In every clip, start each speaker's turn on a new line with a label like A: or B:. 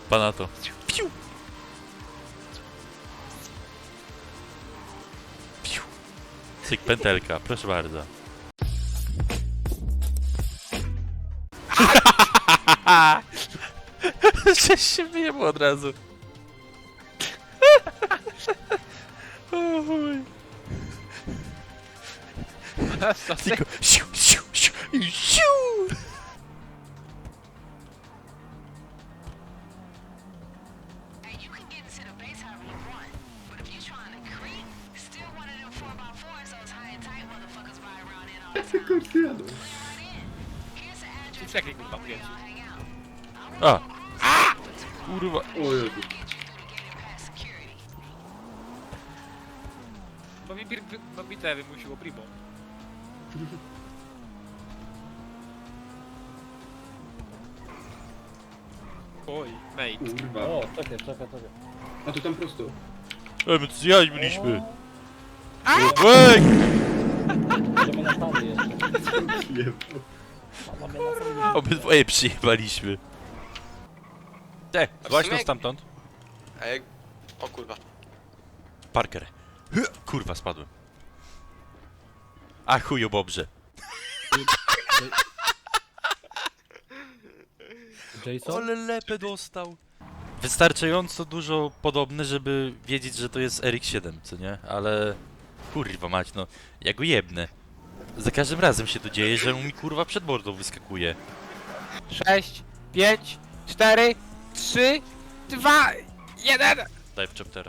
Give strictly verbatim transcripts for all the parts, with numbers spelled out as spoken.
A: Pana to. Piu! Piu! Cyk, pętelka, proszę bardzo. Cześć się wyjebło od razu. O chuj. Tylko siu, siu, siu, siu.
B: Czekaj, kurwa, pięciu.
A: A! Kurwa.
C: O Jezu.
B: Bo mi, bo mi te wymusiło primo. Oj, mate.
C: Kurwa.
D: O, czekaj, czekaj, czekaj.
C: A to tam prosto.
A: E, my tu zjadź byliśmy. Łek!
D: Możemy na stanie jeszcze.
C: Jebo.
D: Mamy na stanie.
A: Obydwoje przyjebaliśmy. Te, właśnie
E: sumie-
A: stamtąd.
E: A jak... O kurwa.
A: Parker. Hy, kurwa, spadłem. A chujo bobrze.
D: Jason?
A: Ale lepę dostał. Wystarczająco dużo podobny, żeby wiedzieć, że to jest R X siedem, co nie? Ale... Kurwa mać, no. Ja go jebnę. Za każdym razem się to dzieje, że on mi kurwa przed mordą wyskakuje.
B: sześć, pięć, cztery, trzy, dwa, jeden!
A: Daj w chaptera.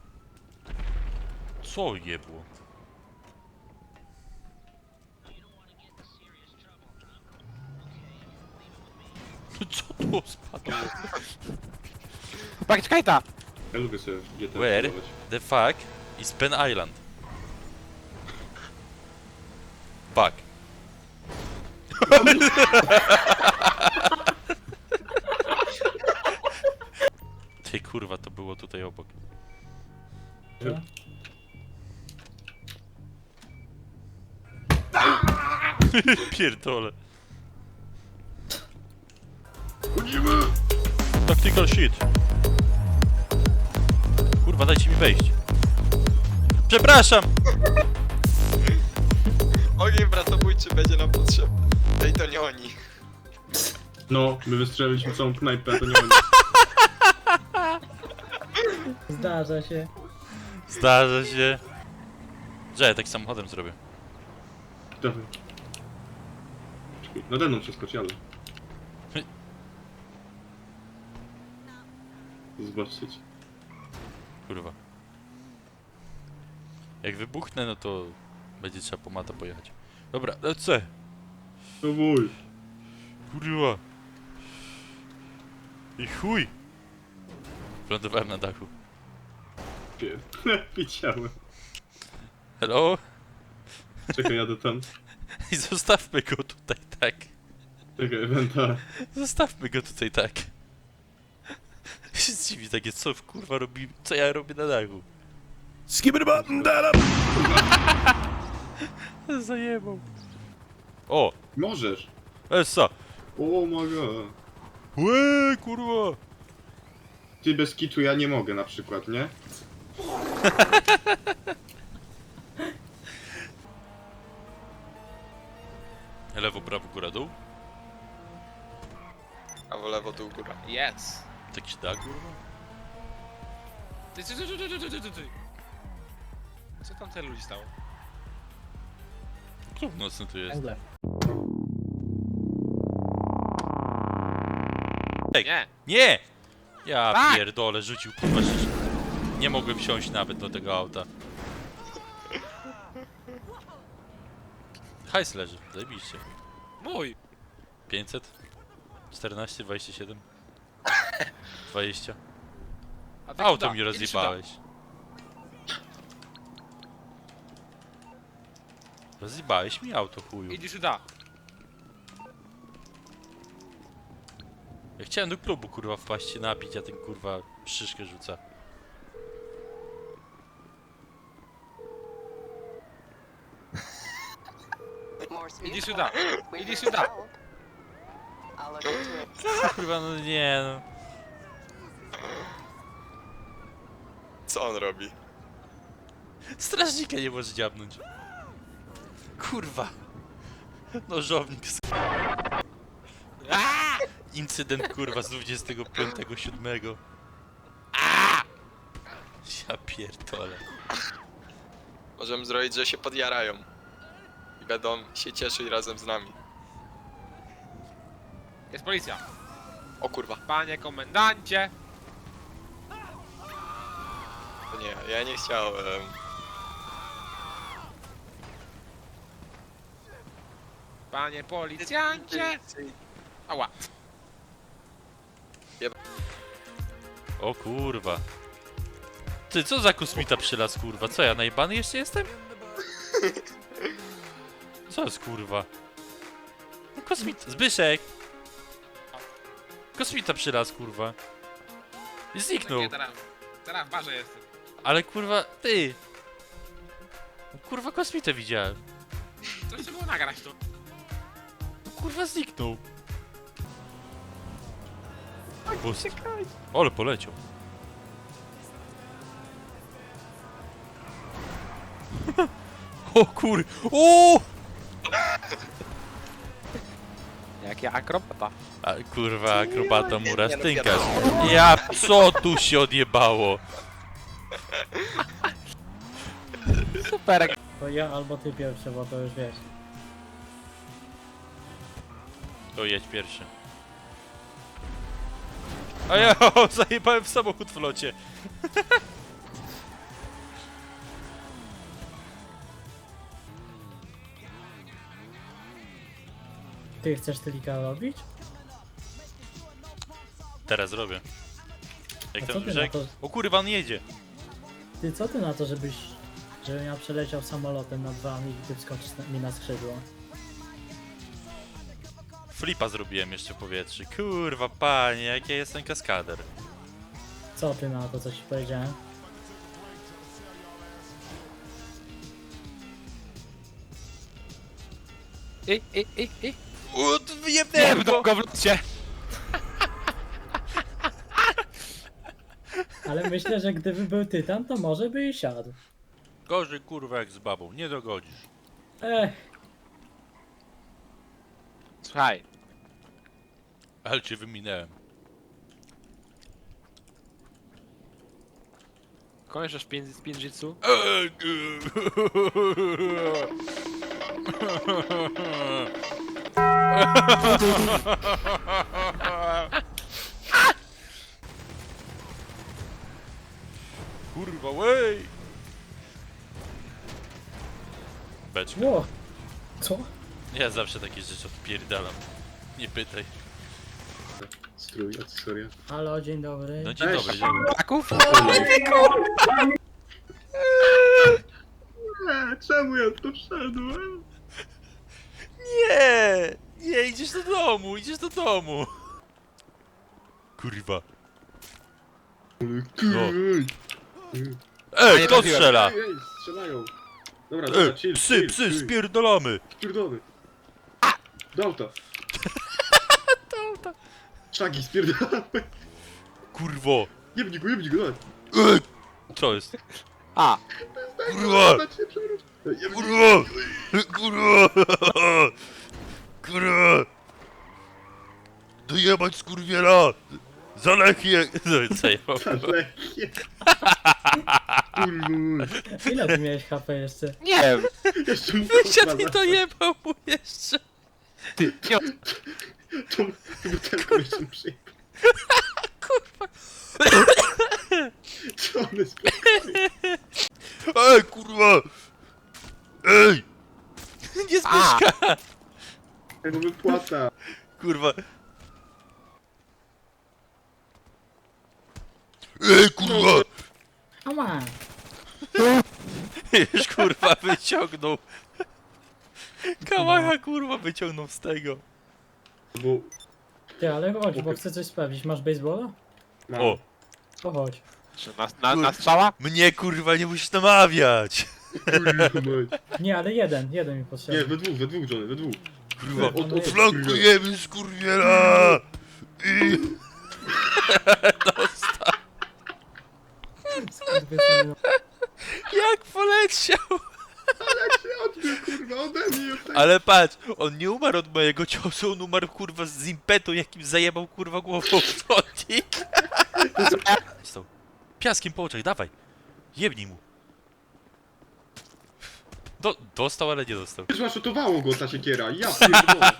A: Co jebło? Co tu spadło?
B: Pakiet kajta!
C: Ja lubię sobie G T A
A: Where
C: celować.
A: the fuck is Pen Island? Fuck. Ty kurwa, to było tutaj obok. Pierdolę. Tactical shit. Kurwa, dajcie mi wejść. Przepraszam!
E: Ogień bratobójczy będzie nam potrzebny. Ej, to nie oni.
C: No, my wystrzeliliśmy całą knajpę, a to nie oni.
D: Zdarza się.
A: Zdarza się. Że ja tak samochodem zrobię.
C: Dawaj. Czekaj, nade mną przeskoczy, ale... Zobaczyć.
A: Kurwa. Jak wybuchnę, no to będzie trzeba po mata pojechać. Dobra, lecę.
C: O mój.
A: Kurwa. I chuj. Wlądowałem na dachu.
C: Pier... Widziałem.
A: Hello?
C: Czekaj, jadę tam.
A: I zostawmy go tutaj tak.
C: Czekaj, Wenta.
A: Zostawmy go tutaj tak. Się zdziwi takie, co w kurwa robi, co ja robię na dachu. Zajebał. O!
C: Możesz.
A: Essa!
C: O my god.
A: Łe, kurwa!
C: Ty bez kitu ja nie mogę na przykład, nie?
A: Lewo, prawo, góra, dół?
E: A w lewo, dół, góra.
B: Yes!
A: Tak się da, kurwa?
B: Ty, ty, ty, ty, ty, ty, ty, ty, ty. Co tam tyle ludzi stało?
A: Klub nocny tu jest.
D: Węgle.
A: Ej.
B: Nie!
A: Nie! Ja
B: Tak!
A: pierdolę, rzucił kurwa rzeczy. Nie mogłem wsiąść nawet do tego auta. Hajs leży, zajebiście.
B: Mój!
A: pięćset? czternaście, dwadzieścia siedem? dwadzieścia?
B: A ty
A: Auto
B: kuda?
A: mi
B: Idź
A: rozjebałeś. Rozjebałeś mi auto, chuju.
B: sюда. Idziesz uda.
A: Ja chciałem do klubu kurwa wpaść się napić, a ten kurwa szyszkę rzuca.
B: Idziesz uda. Idziesz uda.
A: Kurwa no nie no.
E: Co on robi?
A: Strażnika nie może dziabnąć. Kurwa. Nożownik. z- Incydent kurwa z dwudziestego piątego siódmego. Ja pierdolę.
E: Możemy zrobić, że się podjarają. I będą się cieszyć razem z nami.
B: Jest policja.
E: O kurwa.
B: Panie komendancie.
E: To nie, ja nie chciałem.
B: Panie policjancie. Ała.
A: O kurwa. Ty, co za kosmita przylas, kurwa? Co, ja najebany jeszcze jestem? Co jest, kurwa? No, kosmita... Zbyszek! Kosmita przylas, kurwa. I zniknął.
B: Nie, teraz, teraz w barze jestem.
A: Ale kurwa, ty! Kurwa, kosmitę widziałem.
B: Co jeszcze było nagrać tu?
A: Kurwa, zniknął. Bust. Ale poleciał. O kur... O!
B: Jaki akrobata.
A: A, kurwa, akrobata mura stynkasz. Ja, co tu się odjebało?
B: Super.
D: To ja albo ty pierwszy, bo to już wiesz.
A: To jedź pierwszy. A ja zajebałem w samochód w locie.
D: Ty chcesz tylika robić?
A: Teraz robię. Jak
D: A
A: ten
D: co ty na
A: brzeg?
D: to?
A: O kurwa, on jedzie.
D: Ty co ty na to, żebyś... Żebym ja przeleciał samolotem nad wami i ty wskoczysz na, mi na skrzydło?
A: Flipa zrobiłem jeszcze w powietrzu. Kurwa, panie, jak ja jestem kaskader.
D: Co ty na to, co ci powiedziałem?
B: I, i, i, i.
A: O,
B: Nie,
A: wyjebnęłem
B: w
A: go!
B: go w locie.
D: Ale myślę, że gdyby był tytan, to może by i siadł.
A: Gorzej kurwa jak z babą, nie dogodzisz.
D: Ech,
B: Słuchaj.
A: Ale cię wyminęłem.
B: Kończysz pin- z Pinjitsu?
A: Kurwa, wej! Beczka.
D: ło! Co?
A: Ja zawsze takie rzeczy odpierdalam. Nie pytaj.
C: Strój, akcesoria.
D: Halo, dzień dobry.
A: No dzień
C: Cześć.
A: dobry, dzień dobry.
B: Taków?
C: Eee, czemu ja tu wszedłem?
A: Nie! Nie, idziesz do domu, idziesz do domu. Kurwa.
C: No.
A: Ej,
B: nie
A: kto
B: trafiłem.
A: strzela?
C: Ej, ej, strzelają. Dobra,
A: Ej,
C: dobra, chill,
A: psy,
C: chill,
A: psy,
C: chill.
A: spierdolamy.
C: Spierdolony. Do auta.
A: Do auta.
C: Szagi, spierdolamy.
A: Kurwo.
C: Jebnij go, jebnij go, dawaj.
A: Ej, co jest?
B: A.
A: Kurwa!
C: Dać się przewróć. Ej, jebnij.
A: Kurwa! Kurwa! Kurwa! Dojebać skurwiela! Za lechie! No, zajebał.
C: Lekkie. Kurwa.
D: Ile ty miałeś H P jeszcze?
B: Nie wiem.
C: Jeszcze mu
A: Wysiadł i
C: kurwa,
A: dojebał mu jeszcze.
B: Ty, nie.
C: Tą butelką jeszcze przyjechał. Co on jest?
A: Ej, kurwa! Ej! Nie Zbyszka!
C: Jego wypłata.
A: Kurwa. Ej, kurwa!
D: Ała!
A: Już kurwa wyciągnął. Kałacha kurwa wyciągnął z tego.
C: Bo...
D: Ty, ale chodź, bo chcę coś sprawdzić. Masz baseballa?
C: Mam.
A: O!
D: To chodź.
B: Czy na, na, na strzała?
A: Mnie kurwa nie musisz namawiać!
C: Kurwa, mać.
D: Nie, ale jeden, jeden mi
C: Nie,
D: potrzebny.
C: we dwóch, we dwóch, Johnny, we dwóch.
A: Kurwa,
C: Od, od,
A: flankujemy skurwiela! I...
D: Odbił samolot.
A: Jak poleciał!
C: Odbił, kurwa, ode mnie. od tego.
A: Ale patrz, on nie umarł od mojego ciosu, on umarł kurwa z impetu, jakim zajebał kurwa głową w chodnik. Stał. Piaskiem po oczach, dawaj. Jebnij mu. Do, dostał, ale nie dostał.
C: Złaszotowało go ta siekiera, ja pierdolę.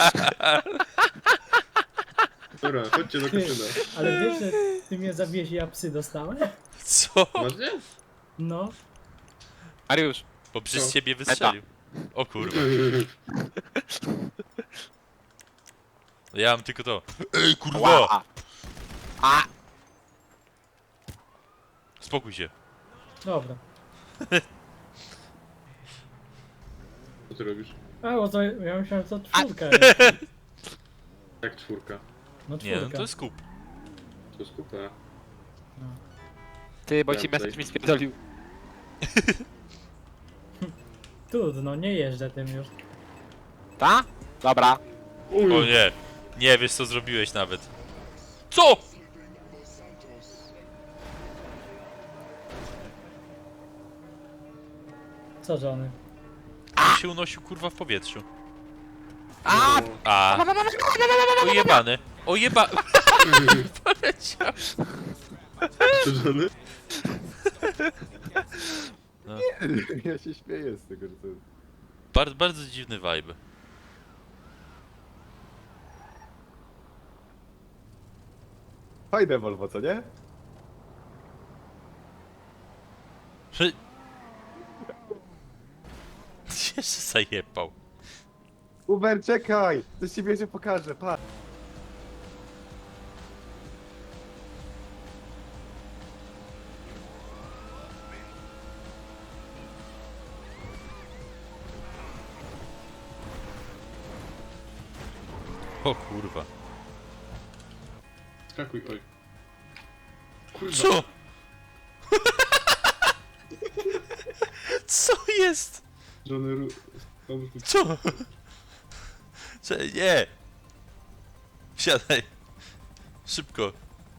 C: Dobra, chodźcie do
D: Ty,
C: kasyna.
D: ale wiesz, że ty mnie zabiłeś i ja psy dostałem?
A: Co?
C: Masz nie?
D: No.
B: Mariusz,
A: Bo przez
C: Co?
A: ciebie wystrzelił. O kurwa. Ja mam tylko to. Ej kurwa!
B: ła! A!
A: Spokój się.
D: Dobra.
C: Co ty robisz?
D: A, bo to ja myślałem, to czwórka jest.
C: Jak czwórka?
D: No
A: Nie, no
D: czwórka.
A: to jest kup.
C: To skupa.
B: Ty, bo
C: Ja
B: ci
C: tutaj-
B: message mi spierdolił.
D: Trudno, nie jeżdżę tym już.
B: Ta? Dobra.
A: O nie. Nie wiesz co zrobiłeś nawet. Co?
D: Co, żony?
A: On się unosił kurwa w powietrzu.
B: A!
A: A. Ojebany. Ojeba... Poleciał.
C: Żony?
F: Ja się śmieję z tego, że to jest...
A: Bardzo, bardzo dziwny vibe.
F: Fajne Volvo, co nie?
A: Że... Jeszcze zajebał.
F: Uber, czekaj! Coś ci jeszcze pokażę, patrz!
A: O kurwa.
C: Skakuj, oj. Kurwa.
A: Co? Co jest?
C: Żony ru... Pomóż mi.
A: Co? Cze- nie! Siadaj. Szybko.